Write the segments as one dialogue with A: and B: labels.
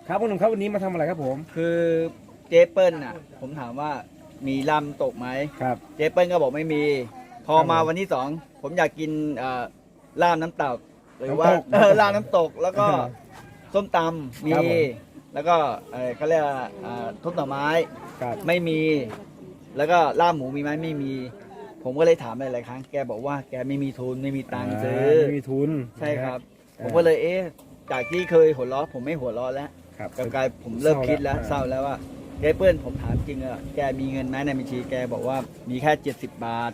A: ครับคุณหนุ่มครับวันนี้มาทำอะไรครับผม
B: คือเจ๊เปิ้ลน่ะผมถามว่ามีลำตกไหม
A: ครับ
B: เจ๊เปิ้ลก็บอกไม่มีพอมาวันที่สองผมอยากกินลาบน้ำตกหรือว่าลาบน้ำตกแล้วก็ส้มตำมีแล้วก็เขาเรียกทุบหน่อไม้ไม่มีแล้วก็ลาบหมูมีไหมไม่มีผมก็เลยถามหลายๆครั้งแกบอกว่าแกไม่มีทุนไม่มีตังค์ซื้อ
A: ไม่มีทุน
B: ใช่ครับผมก็เลยจากที่เคยหัวเราะผมไม่หัวเราะแล้วกับกายผมเริ่มคิดแล้วเศร้าแล้วว่าเจ๊เปิ้ลผมถามจริงอะแกมีเงินไหมในบัญชีแกบอกว่ามีแค่70 บาท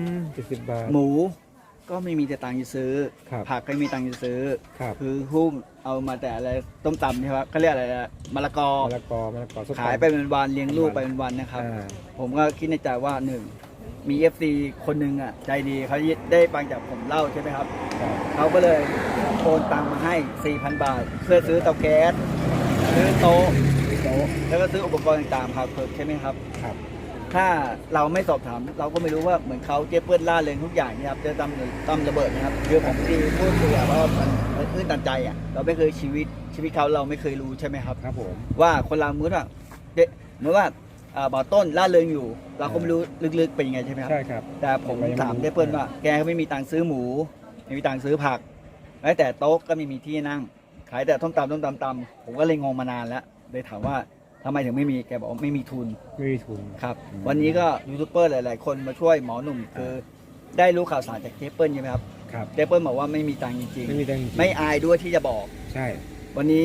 A: 70 บาท
B: หมูก็ไม่มีแต่ตังค์จะซื้อผักก็ไม่มีตังค์จะซื้อคือหุ้มเอามาแต่อะไรต้มตำใช่ไหมเขาเรียกอะไรมะละกอขายไปเป็นวันเลี้ยงลูกไปเป็นวันนะครับผมก็คิดในใจว่าหนึ่งมี FC คนหนึ่งอ่ะใจดีเขาได้ฟังจากผมเล่าใช่ไหมครับเขาก็เลยโอนตังมาให้ 4,000 บาทเพื่อซื้อเตาแก๊สซื้อโต๊ะแล้วก็ซื้ออุปกรณ์ต่างๆครับใช่ไหมครับถ้าเราไม่สอบถามเราก็ไม่รู้ว่าเหมือนเขาเจ๊เปิ้ลล่าเริงทุกอย่างนะครับเจอตั้มระเบิดนะครับคือผมที่พูดคุยว่ามันตื้นตันใจอ่ะเราไม่เคยชีวิตเขาเราไม่เคยรู้ใช่ไหมครับ
A: ครับผม
B: ว่าคนเราเหมือนว่าบ่อต้นล่าเริงอยู่เราก็ไม่รู้ลึกๆเป็นยังไงใช่ไหมครับ
A: ใช่ครับ
B: แต่ผมถามเจ๊เปิ้ลว่าแกก็ไม่มีตังค์ซื้อหมูไม่มีตังค์ซื้อผักแม้แต่โต๊ะก็ไม่มีที่นั่งขายแต่ต้มตำผมก็เลยงงมานานแล้วเลยถามว่าทำไมถึงไม่มีแกบอกไม่มีทุนครับวันนี้ก็ยูทูบเบอร์หลายๆคนมาช่วยหมอหนุ่มคือได้รู้ข่าวสารจากเจ๊เปิ้ลใช่ไหมครับเจ๊เปิ้ลบอกว่าไม่มีตังค์จริงๆไม่อายด้วยที่จะบอก
A: ใช่
B: วันนี้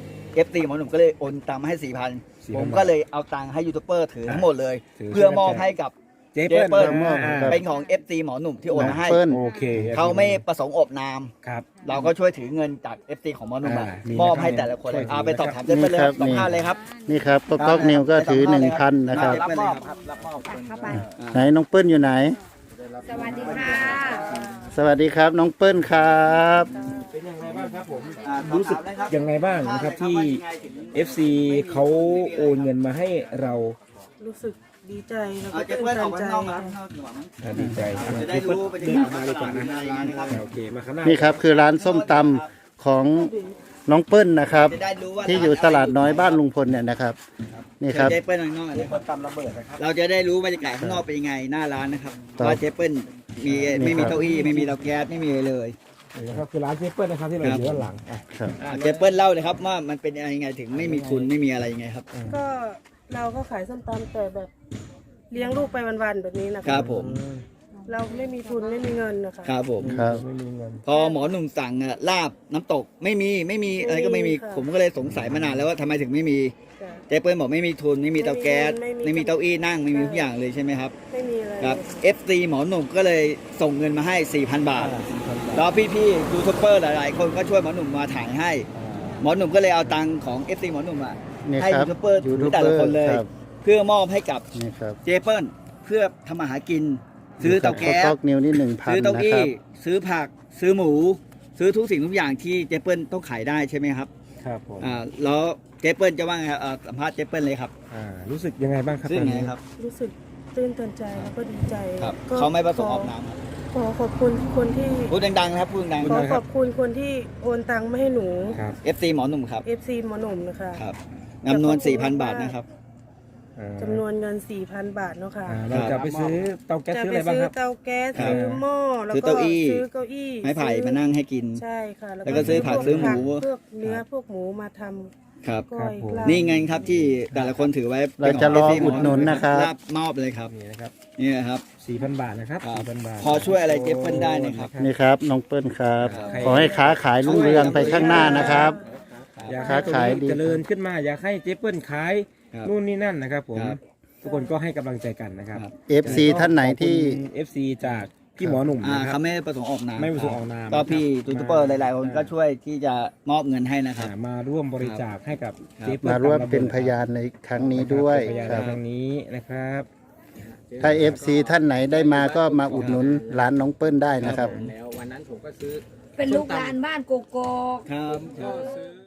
B: FTหมอหนุ่มก็เลยโอนตังค์มาให้ 4,000 ผมก็เลยเอาตังค์ให้ยูทูบเบอร์ถือทั้งหมดเลยเพื่อมอบให้กับเจ๊เปิ้ลเป็นของ FT หมอหนุ่มที่โอนมาให้เขาไม่ประสงค์อบนามเราก็ช่วยถือเงินจาก FT ของหมอหนุ่มมอบให้แต่ละคนเอาไปสอบถามเจ๊เปิ้ลเลย25เลยครับ
C: นี่ครับก๊อกนิวก็ถือ 1,000 นะครับ
B: รับมอบครับรับมอบ
C: ไหนน้องเปิ้ลอยู่ไหน
D: สวัสดีค่ะ
C: สวัสดีครับน้องเปิ้ลครับ
A: เป็นยังไงบ้างครับผมรู้สึกยังไงบ้างนะครับที่ FC เขาโอนเงินมาให้เรา
D: รู้สึกดีใจแล้วก็ตื่นตันใจ
A: ดีใจ
B: จะได้รู้ไปถึงมาเลยก่อนนะ
A: โอเคมาข้างหน้า
C: นี่ครับคือร้านส้มตำของน้องเปิ้ลนะครับที่อยู่ตลาดน้อยบ้านลุงพลเนี่ยนะครับนี่ครับ
B: เจ๊เปิ้ลข้างนอกเราจะได้รู้บรรยากาศข้างนอกเป็นยังไงหน้าร้านนะครับว่าเจ๊เปิ้ลไม่มีเก้าอี้ไม่มีเตาแก๊สไม่มีเลย
A: นะครับคือร้านเจ๊เปิ้ลนะครับที่เราอยู่ด้านหลัง
B: เจ๊เปิ้ลเล่าเลยครับว่ามันเป็นยังไงถึงไม่มีทุนไม่มีอะไรยังไงครับ
D: ก็เราก็ขายส้มตำแต่แบบเลี้ยงลูกไปวันๆแบบนี้นะครับ
B: ผม
D: เราไม่มีทุนไม่มีเงินนะคะ
B: ครับผม
A: ไม่มีเงิน
B: พอหมอหนุ่มสั่งลาบน้ำตกไม่มีอะไรก็ไม่มีผมก็เลยสงสัยมานานแล้วว่าทำไมถึงไม่มีเจ๊เปิ้ลบอกไม่มีทุนไม่มีเตาแก๊สไม่มีเก้าอี้นั่งไม่มีทุกอย่างเลยใช่ไหมครับ
D: ไม่มีเลย
B: ครับ FC หมอหนุ่มก็เลยส่งเงินมาให้ 4,000 บาทแล้วพี่ๆยูทูบเบอร์หลายๆคนก็ช่วยหมอหนุ่มมาถ่ายให้หมอหนุ่มก็เลยเอาตังค์ของ FC หมอหนุ่มให้ยูทูบเบอร์แต่ละคนเลยเพื่อมอบให้กับเจ๊เปิ้ลเพื่อทำอาหารกินซื้อเตาแก๊สซื้อเตาอี้ซื้อผักซื้อหมูซื้อทุกสิ่งทุกอย่างที่เจ๊เปิ้ลต้องขายได้ใช่ไหมครับ
A: ครับผม
B: แล้วเจ๊เปิ้ลจะว่าไงสัมภาษณ์เจ๊เปิ้ลเลยครับ
A: รู้สึกยังไงบ้างครับ
B: รู้สึกไงครับ
D: รู้สึกตื่นตันใจแล้วก็ดีใจ
B: เขาไม่ประสงค์ออกนาม
D: ขอขอบคุณคนที่
B: พูดดังๆนะครับพูดดัง
D: ขอขอบคุณคนที่โอนตังค์มาให้หนู
B: FC หมอหนุ่มครับ
D: FC หมอหนุ่มนะคะ
B: ครับจำนวน 4,000 บาทนะครับ
D: จำนวนเงิน 4,000 บาทเนาะค่ะ
A: เราจะไปซื้อเตาแก๊สซื้ออะไรบ้างครับ
D: ซื้อเตาแก๊สซื้อหม้อแล้วก็ซื้อเก้าอี้
B: ไม้ไผ่มานั่งให้กิน
D: ใช่ค่ะ
B: แล้วก็ซื้อผักซื้อหมู
D: พวกเนื้อพวกหมูมาทำ
B: ครับนี่ไงครับที่แต่ละคนถือไว้
C: เราจะรออุดหนุนนะครับ
B: มอบเลยครับนี่นะครับ
A: 4,000 บาทนะครับ 4,000 บาท
B: พอช่วยอะไรเจ๊เปิ้ลได้นะครับ
C: นี่ครับน้องเปิ้ลครับขอให้ค้าขายรุ่งเรืองไปข้างหน้านะครับ
A: อยากค้าขายเจริญขึ้นมาอยากให้เจ๊เปิ้ลขายนู่นนี่นั่นนะครับผมทุกคนก็ให้กำลังใจกันนะครับ
C: FC ท่านไหนที่
A: FC จากพี่หมอหนุ่มนะครับ
B: เขาไม่ประสงค์ออกนาม
A: ไม่ประสงค์ออกนาม
B: ก็พี่ยูทูบเบอร์หลายๆคนก็ช่วยที่จะมอบเงินให้นะครับ
A: มาร่วมบริจาคให้กับ
C: เจ๊เปิ้ลมาร่วมเป็นพยานในครั้งนี้ด้วย
A: ครับครั้งนี้นะครับ
C: ถ้า FC ท่านไหนได้มาก็มาอุดหนุนร้านน้องเปิ้ลได้นะครับ
D: เป็นลูกหลานบ้านโกโก้
B: ครับ